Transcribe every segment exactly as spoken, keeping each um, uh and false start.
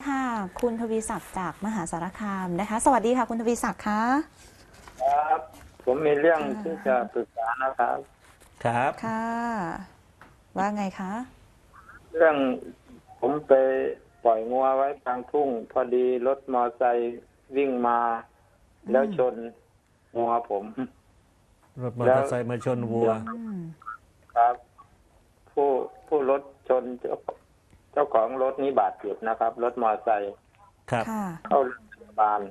ค่ะคุณทวีศักดิ์จากมหาสารคามนะคะสวัสดีค่ะคุณทวีศักดิ์คะครับผมมีเรื่องที่จะปรึกษานะครับครับค่ะว่าไงคะเรื่องผมไปปล่อยงัวไว้กลางทุ่ง พอดีรถมอไซค์วิ่งมา แล้วชนงัวผมรถมอเตอร์ไซค์มาชนวัวอืมครับ ผู้ผู้รถชนเจ้าเจ้าของรถนี้บาดเจ็บนะครับ รถมอไซค์ครับค่ะเข้าโรงพยาบาล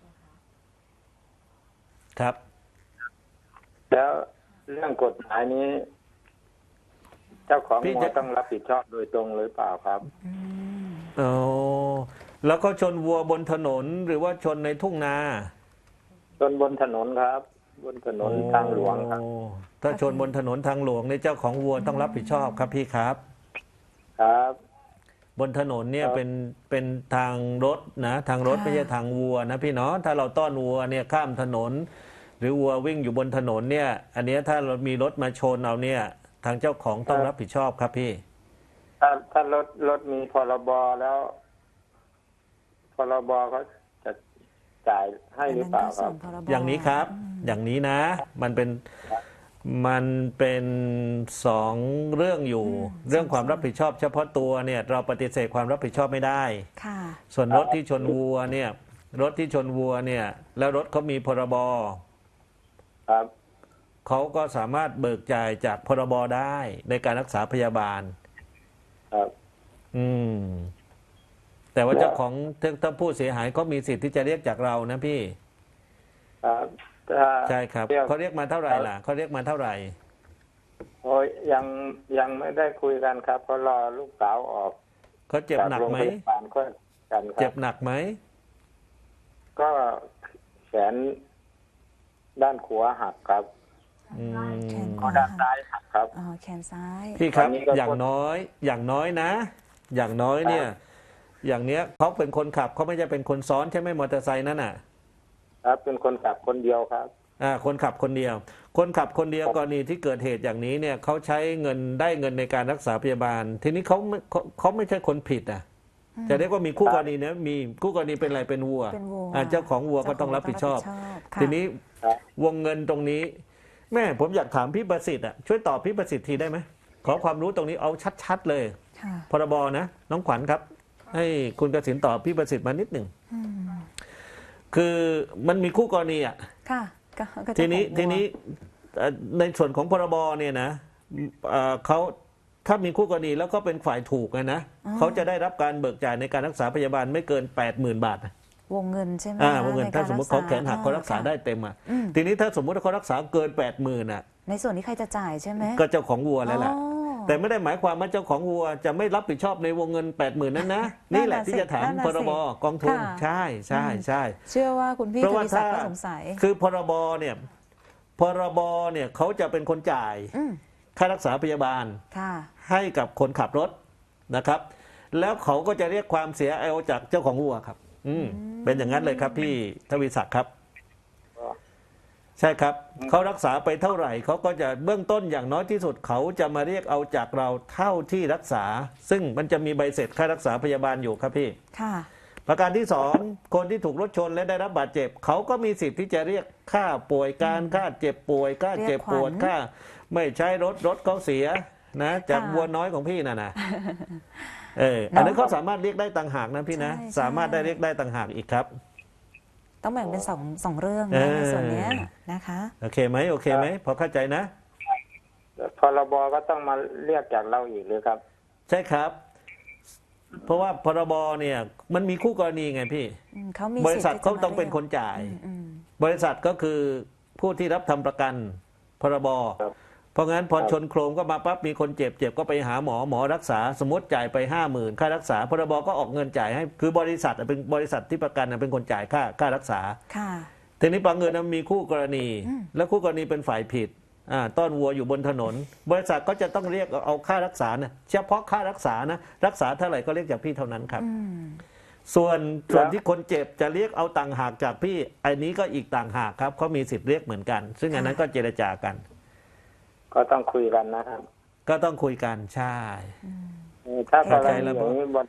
ครับแล้วเรื่องกฎหมายนี้ เจ้าของพี่งัวจะต้องรับผิดชอบโดยตรงหรือเปล่าครับอืมโอ้แล้วก็ชนวัวบนถนนหรือว่าชนในทุ่งนาชนบนถนนครับ บนถนนทางหลวงครับโอ้ถ้าชนบนถนนทางหลวงในยเจ้าของวัวต้องรับผิดชอบครับพี่ครับครับบนถนนเนี่ยครับเป็นเป็นทางรถนะทางรถไม่ใช่ทางวัวนะพี่เนาะถ้าเราต้อนวัวเนี่ยข้ามถนน หรือวัววิ่งอยู่บนถนนเนี่ย อันเนี้ยถ้าเรามีรถมาชนเอาเนี่ย ทางเจ้าของต้องรับผิดชอบครับพี่ถ้าถ้ารถรถมีพรบแล้วพรบเขาจะจ่ายให้หรือเปล่าครับอันนั้นก็ส่วนพรบอย่างนี้ครับ อย่างนี้นะ มันเป็น มันเป็นสองเรื่องอยู่ เรื่องความรับผิดชอบเฉพาะตัวเนี่ย เราปฏิเสธความรับผิดชอบไม่ได้ค่ะส่วนรถที่ชนวัวเนี่ย รถที่ชนวัวเนี่ย แล้วรถเขามีพรบครับเขาก็สามารถเบิกจ่ายจากพรบได้ในการรักษาพยาบาลครับอืม แต่ว่าเจ้าของถ้าถ้าผู้เสียหายก็มีสิทธิ์ที่จะเรียกจากเรานะพี่ครับถ้าใช่ครับเรียกเขาเรียกมาเท่าไหร่ล่ะเขาเรียกมาเท่าไหร่โอ้ยยังยังไม่ได้คุยกันครับเพราะรอลูกสาวออกเขาเจ็บจากหนักโรงไหมพยาบาลก็กันคเจ็รับบ หนักไหมก็แขนด้านขวาหักครับอืมแขนขก็วาด้านซ้ายหักครับอ๋อแขนซ้ายพี่ครับตอนนี้ก็อย่างน้อย อย่างน้อยนะ อย่างน้อยเนี่ย อย่างเนี้ยเขาเป็นคนขับเขาไม่ใช่เป็นคนซ้อนใช่ไหมมอเตอร์ไซค์นั่นน่ะครับเป็นคนขับคนเดียวครับอ่าคนขับคนเดียว คนขับคนเดียวกรณีที่เกิดเหตุอย่างนี้เนี่ยเขาใช้เงินได้เงินในการรักษาพยาบาล ทีนี้เขาไม่เขาเขาไม่ใช่คนผิดอ่ะจะเรียกว่ามีคู่กรณีนะมีคู่กรณีเป็นอะไรเป็นวัวเป็นวัวอ่าเจ้าของวัวก็ต้องรับผิดชอบค่ะทีนี้ครับวงเงินตรงนี้ แม่ผมอยากถามพี่ประสิทธิ์อ่ะช่วยตอบพี่ประสิทธิ์ทีได้ไหมขอความรู้ตรงนี้เอาชัดๆเลยค่ะพรบนะน้องขวัญครับ ให้คุณกสินตอบพี่ประสิทธิ์มานิดหนึ่งอืมคือมันมีคู่กรณีอ่ะค่ะก็ก็จะทีนี้ของวัวทีนี้เอ่อในส่วนของพรบเนี่ยนะเอ่อเขาถ้ามีคู่กรณีแล้วก็เป็นฝ่ายถูกนะนะเขาจะได้รับการเบิกจ่ายในการรักษาพยาบาลไม่เกิน แปดหมื่น บาทนะวงเงินใช่ไหมอ่าคะวงเงินในกถ้าร สมมติเขาแขนหักเขารักษาค่ะได้เต็มอ่ะอืมทีนี้ถ้าสมมติว่าเขารักษาเกิน แปดหมื่นอ่ะในส่วนที่ใครจะจ่ายใช่ไหมก็เจ้าของวัวแล้วแหละอ๋อแต่ไม่ได้หมายความว่าเจ้าของวัวจะไม่รับผิดชอบในวงเงิน แปดหมื่น นั้นนะนั่นี่นแหน่ะละที่จะถามสินั่นน่ะพรบสิกองทุนค่ะใช่ใช่ใช่เชื่อว่าคุณพี่เพราะทว่าวีศักถ้าดิ์ก็สงสัยคือพรบเนี่ยพรบเนี่ยเขาจะเป็นคนจ่ายอืมค่ารักษาพยาบาลค่ะให้กับคนขับรถนะครับ แล้วเขาก็จะเรียกความเสียเอาจากเจ้าของวัวครับ อืมเป็นอย่างนั้นเลยครับพี่ทวีศักดิ์ครับ ใช่ครับเขารักษาไปเท่าไหร่เขาก็จะเบื้องต้นอย่างน้อยที่สุดเขาจะมาเรียกเอาจากเราเท่าที่รักษา ซึ่งมันจะมีใบเสร็จค่ารักษาพยาบาลอยู่ครับพี่ค่ะประการที่สองคนที่ถูกรถชนและได้รับบาดเจ็บเขาก็มีสิทธิ์ที่จะเรียกค่าป่วยการค่าเจ็บป่วยค่าเจ็บปวดเรียกขวัญค่าไม่ใช้รถรถเขาเสียนะจากค่ะวัวน้อยของพี่น่ะนะเอออันนั้นเขาสามารถเรียกได้ต่างหากนะพี่นะใช่ใช่สามารถได้เรียกได้ต่างหากอีกครับต้องแบ่งเป็นสองสองเรื่องเอนะอในส่วนเนี้ยนะคะโอเคไหมโอเคไหมพอเข้าใจนะพรบก็ต้องมาเรียกจากเราอีกหรือครับใช่ครับ เพราะว่าพรบเนี่ยมันมีคู่กรณีไงพี่อืมเขามีบริษัทสิทธิ์เขาที่จะต้องเป็นคนจ่ายอืมอืมบริษัทก็คือผู้ที่รับทำประกันพรบครับเพราะงั้นพอครับชนโครมก็มาปั๊บมีคนเจ็บเจ็บก็ไปหาหมอหมอรักษาสมมติจ่ายไปห้าหมื่นค่ารักษาพรบก็ออกเงินจ่ายให้คือบริษัทอะเป็นบริษัทที่ประกันอะเป็นคนจ่ายค่าค่ารักษาค่ะทีนี้บางเงินนะมีคู่กรณีอืมและคู่กรณีเป็นฝ่ายผิดอ่าต้อนวัวอยู่บนถนน บริษัทก็จะต้องเรียกเอาค่ารักษานะเฉพาะค่ารักษานะรักษาเท่าไหร่ก็เรียกจากพี่เท่านั้นครับอืมส่วนส่วนที่คนเจ็บจะเรียกเอาต่างหากจากพี่อันนี้ก็อีกต่างหากครับเขามีสิทธิ์เรียกเหมือนกัน ซึ่งอันนั้นก็เจรจากันก็ต้องคุยกันนะครับก็ต้องคุยกันใช่เออถ้ากรเข้าใจณีแล้วอย่างนี้บ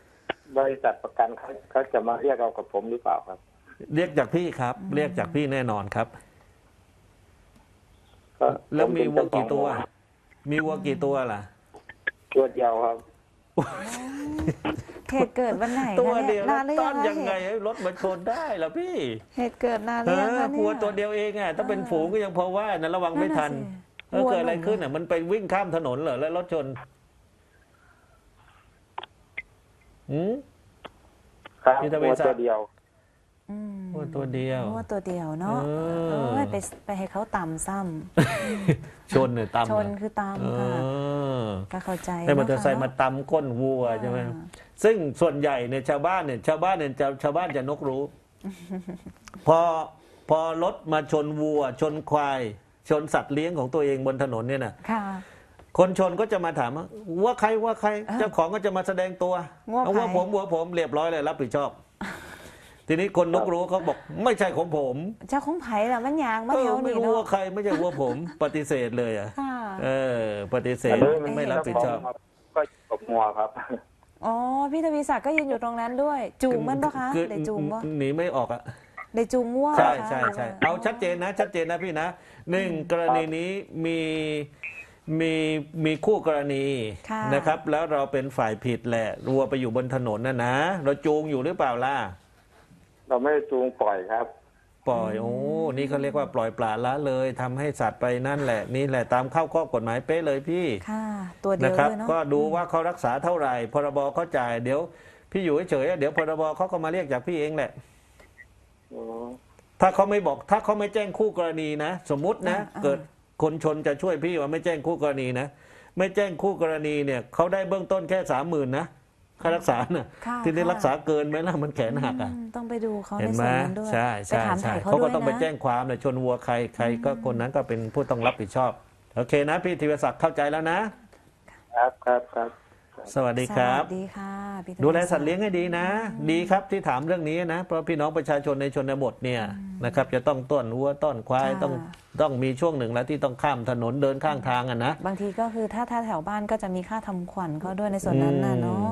บริษัทประกันเขาเขาจะมาเรียกเอากับผมหรือเปล่าครับเรียกจากพี่ครับ เรียกจากพี่แน่นอนครับก็แล้วมีผวัวเป็นเจ้าของกี่ตัว มีวัวกี่ตัวล่ะตัวเดียวครับเหตุเกิดวันไหนตัวคะเดีเนี่ยยวนานหรือต้ยัอง นคะยังไงเหตุให้รถมาชนได้ล่ะพี่เหตุเกิดนานหเอรือยังอคะเนี่ยวัวตัวเดียวเองอ่ะถ้าเป็นฝูงก็ยังพอว่านะระวังไม่ทันนั่เอน อน่ะสิเกิดอะไรวัวหนุ่มขึ้นอ่ะ มันไปวิ่งข้ามถนนเหรอแล้วรถชนหืมครับมีทะเบีตัยวนสัตว์ตัวเดียวอืมวัวตัวเดียววัวตัวเดียวเนาะเออโอ้ยไปไปให้เขาต่ำซ้ชนเนี่ยตำำชนคือเอต่ำค่ะอก็เข้าใจให้มอเตอร์ไซค์เนะมาตำก้นวัวใช่ไหมอ่าซึ่งส่วนใหญ่เนี่ยชาวบ้านเนี่ยชาวบ้านเนี่ยจะชาวบ้านจะนกรู้ พอพอรถมาชนวัว ชนควาย ชนสัตว์เลี้ยงของตัวเองบนถนนเนี่ยนะค่ะคนชนก็จะมาถามว่าว่าใครว่าใครเออเจ้าของก็จะมาแสดงตัวว่าเอาว่าใครผมว่าผมเรียบร้อยเลยรับผิดชอบ ทีนี้คนนกรู้เขาบอกไม่ใช่ของผมเจ้าของไผ่ละมันยางมาเอแถอวไม่นี้รู้เนาะว่าใครไม่ใช่ว่าผม ปฏิเสธเลยอ่ะค่ะเออ ปฏิเสอัธนนี้นไม่รับผิดชอบเจ้าของก็กบงัวครับอ๋อพี่ทวีศักดิ์ก็ยืนอยู่ตรงนั้นด้วย จูงมันปะคะคือได้จูงปะหนีไม่ออกอ่ะได้จูงง่วงใช่ปะคะใช่ใช่หรืว่เอาชัดเจนนะชัดเจนนะพี่นะหนึ่งกรณีนี้มีมีมีคู่กรณีค่ะนะครับ แล้วเราเป็นฝ่ายผิดแหละรัวไปอยู่บนถนนนะนะเราจูงอยู่หรือเปล่าล่ะเราไม่ได้จูงปล่อยครับปล่อยโอ้นี่เขาเรียกว่าปล่อยปละละเลยทำให้สัตว์ไปนั่นแหละ นี่แหละตามเข้าข้อกฎหมายเป๊ะเลยพี่ค่ะ ตัวเดีนะยวครับเลยเนาะก็ดูว่าเขารักษาเท่าไหร่พรบเขาจ่ายเดี๋ยวพี่อยู่เฉยๆเดี๋ยวพรบเขาก็มาเรียกจากพี่เองแหละอ๋อถ้าเขาไม่บอกถ้าเขาไม่แจ้งคู่กรณีนะสมมุตินะอ่าเกิดคนชนจะช่วยพี่ว่าไม่แจ้งคู่กรณีนะไม่แจ้งคู่กรณีเนี่ยเขาได้เบื้องต้นแค่สามหมื่นนะค่ารักษาน่ะค่ะที่ได้ค่ะรักษาเกินไหมล่ะมันแขนหักอ่ะอืมต้องไปดูเขาเห็ในนไหมส่วนนั้นด้วยใช่ไปใช่ถามใช่ถ่ายเขาเขาก็ด้วยต้องไปนะแจ้งความเลยชนวัวใครใครก็คนนั้นก็เป็นผู้ต้องรับผิดชอบโอเคนะพี่ธีรศักดิ์เข้าใจแล้วนะครับครับครับสวัสดีครับสวัสดีค่ะพี่ทวีดูแลสัตว์เลี้ยงให้ดีนะ ดีครับที่ถามเรื่องนี้นะ เพราะพี่น้องประชาชนในชนบทเนี่ยนะครับ จะต้องต้อนวัวต้อนควายต้องต้องมีช่วงหนึ่งแล้วที่ต้องข้ามถนนเดินข้างทางอ่ะนะบางทีก็คือถ้าถ้าแถวบ้านก็จะมีค่าทำขวัญเขาด้วยในส่วนนั้นน่ะเนาะ